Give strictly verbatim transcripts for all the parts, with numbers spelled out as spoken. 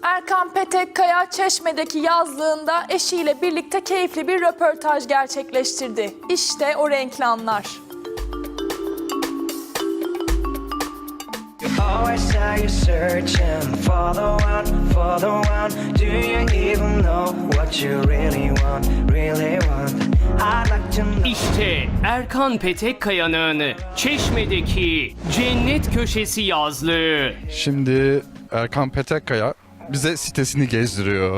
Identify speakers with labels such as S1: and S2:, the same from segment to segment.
S1: Erkan Petekkaya Çeşme'deki yazlığında eşiyle birlikte keyifli bir röportaj gerçekleştirdi. İşte o renkli anlar.
S2: İşte Erkan Petekkaya'nın Çeşme'deki cennet köşesi yazlığı.
S3: Şimdi Erkan Petekkaya bize sitesini gezdiriyor.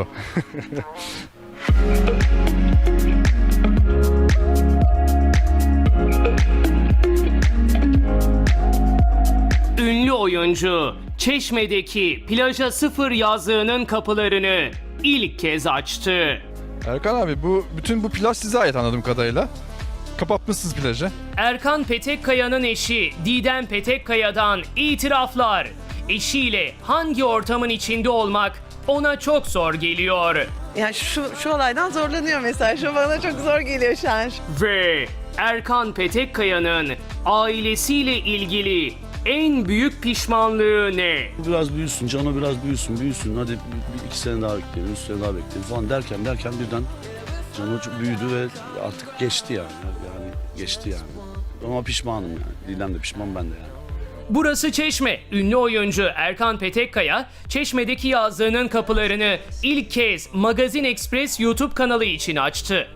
S2: Ünlü oyuncu Çeşme'deki plaja sıfır yazlığının kapılarını ilk kez açtı.
S3: Erkan abi bu bütün bu plaj size ait anladığım kadarıyla. Kapatmışsınız plajı.
S2: Erkan Petekkaya'nın eşi Didem Petekkaya'dan itiraflar. Eşiyle hangi ortamın içinde olmak ona çok zor geliyor.
S4: Yani şu, şu olaydan zorlanıyor mesela. Şu bana çok zor geliyor şu an.
S2: Ve Erkan Petekkaya'nın ailesiyle ilgili en büyük pişmanlığı ne?
S5: Biraz büyüsün, Cano biraz büyüsün, büyüsün. Hadi bir, bir iki sene daha bekleyelim, üç sene daha bekleyelim falan derken derken birden Cano çok büyüdü ve artık geçti yani. Yani geçti yani. Ama pişmanım yani. Didem de pişman, ben de yani.
S2: Burası Çeşme. Ünlü oyuncu Erkan Petekkaya, Çeşme'deki yazlığının kapılarını ilk kez Magazin Express YouTube kanalı için açtı.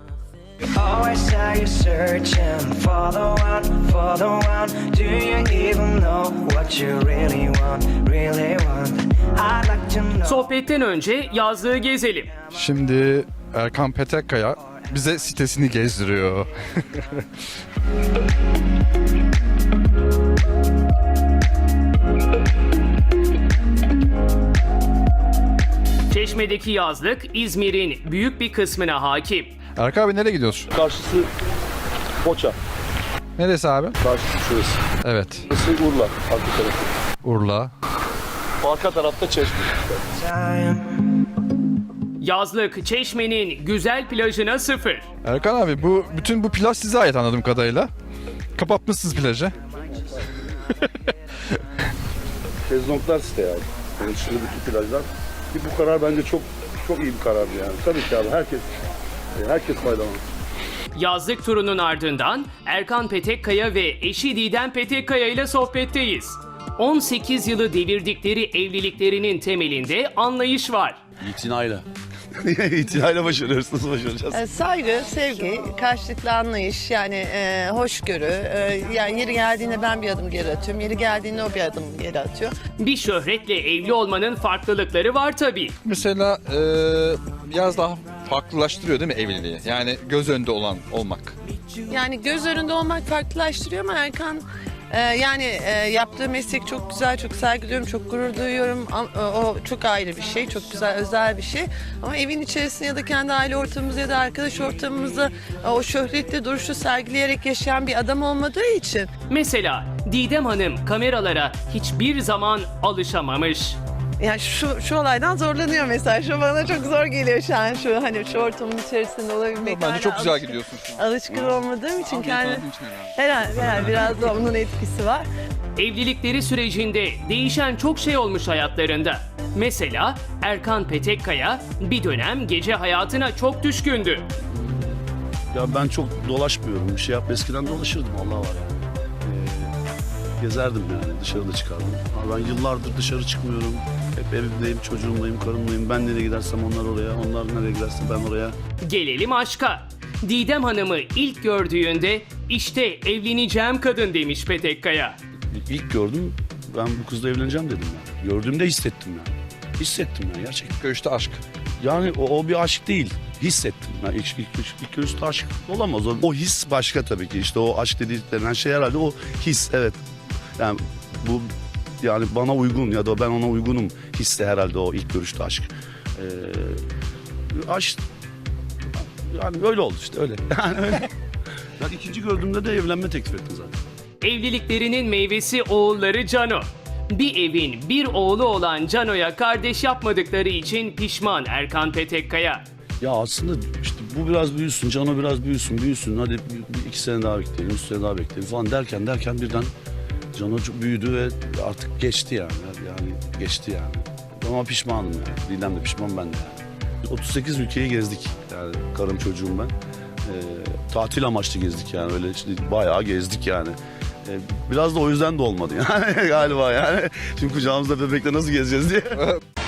S2: Sohbetten önce yazlığı gezelim.
S3: Şimdi Erkan Petekkaya bize sitesini gezdiriyor.
S2: Çeşme'deki yazlık İzmir'in büyük bir kısmına hakim.
S3: Erkan abi nereye gidiyorsun?
S5: Karşısı Foça,
S3: Neresi abi?
S5: karşısı şurası.
S3: Evet.
S5: Burası Urla, arka tarafı.
S3: Urla.
S5: Arka tarafta Çeşme.
S2: Yazlık Çeşme'nin güzel plajına sıfır.
S3: Erkan abi bu bütün bu plaj size ait anladığım kadarıyla. Kapatmışsınız plajı.
S5: Şezlonglar site yani. Yani şimdi bütün plajlar. Ki bu karar bence çok çok iyi bir karardı yani. Tabii ki abi herkes herkes faydalanır.
S2: Yazlık turunun ardından Erkan Petekkaya ve eşi Didem Petekkaya ile sohbetteyiz. on sekiz yılı devirdikleri evliliklerinin temelinde anlayış var.
S5: İtinayla. İtinayla başarıyoruz. Nasıl başaracağız?
S4: E, saygı, sevgi, karşılıklı anlayış, yani e, hoşgörü. E, yani yeri geldiğinde ben bir adım geri atıyorum. Yeri geldiğinde o bir adım geri atıyor.
S2: Bir şöhretle evli olmanın farklılıkları var tabii.
S3: Mesela e, biraz daha farklılaştırıyor değil mi evliliği? Yani göz önünde olan olmak.
S4: Yani göz önünde olmak farklılaştırıyor ama Erkan e, yani e, yaptığı meslek çok güzel, çok saygı duyuyorum, çok gurur duyuyorum. Am- e, O çok ayrı bir şey, çok güzel, özel bir şey. Ama evin içerisinde ya da kendi aile ortamımızda ya da arkadaş ortamımızda e, o şöhretli duruşu sergileyerek yaşayan bir adam olmadığı için.
S2: Mesela Didem Hanım kameralara hiçbir zaman alışamamış.
S4: Yani şu, şu olaydan zorlanıyor mesela. Şu bana çok zor geliyor şu an. Şu hani şu ortamın içerisinde olabilmek.
S3: Bence
S4: hala
S3: çok güzel
S4: alışkın-
S3: gidiyorsun şu an.
S4: Alışkın olmadığım için
S3: Abi,
S4: kendi...
S3: tanıdığın için herhalde.
S4: Herhalde, herhalde biraz da onun etkisi var.
S2: Evlilikleri sürecinde değişen çok şey olmuş hayatlarında. Mesela Erkan Petekkaya bir dönem gece hayatına çok düşkündü.
S5: Ya ben çok dolaşmıyorum. Bir şey yap. Eskiden dolaşırdım. Allah var yani. Ee, gezerdim yani. Dışarıda çıkardım. Ama ben yıllardır dışarı çıkmıyorum. Hep evimdeyim, çocuğumlayım, karımlayım. Ben nereye gidersem onlar oraya. Onlar nereye giderse ben oraya.
S2: Gelelim aşka. Didem Hanım'ı ilk gördüğünde işte evleneceğim kadın demiş Petekkaya.
S5: İlk gördüm. Ben bu kızla evleneceğim dedim yani. Gördüğümde hissettim yani. Hissettim yani gerçekten.
S3: Görüşte aşk.
S5: Yani o, o bir aşk değil. Hissettim. Yani ilk, ilk, ilk, ilk görüşte aşk olamaz. O, o his başka tabii ki. İşte o aşk dediğinden şey herhalde o his. Evet. Yani bu yani bana uygun ya da ben ona uygunum hissi herhalde o ilk görüşte aşk. Ee, aşk yani öyle oldu işte öyle. Yani öyle. Ben ikinci gördüğümde de evlenme teklif ettim zaten.
S2: Evliliklerinin meyvesi oğulları Cano. Bir evin bir oğlu olan Cano'ya kardeş yapmadıkları için pişman Erkan Petekkaya.
S5: Ya aslında işte bu biraz büyüsün, Cano biraz büyüsün, büyüsün. Hadi bir, bir iki sene daha bekleyelim, üç sene daha bekleyelim falan derken derken birden Cano çok büyüdü ve artık geçti yani. Yani geçti yani. ama pişmanım yani. Didem de pişman, ben de yani. otuz sekiz ülkeyi gezdik yani, karım çocuğum ben. Ee, tatil amaçlı gezdik yani, öyle işte bayağı gezdik yani. Ee, biraz da o yüzden de olmadı yani galiba yani. Çünkü kucağımızda bebekle nasıl gezeceğiz diye.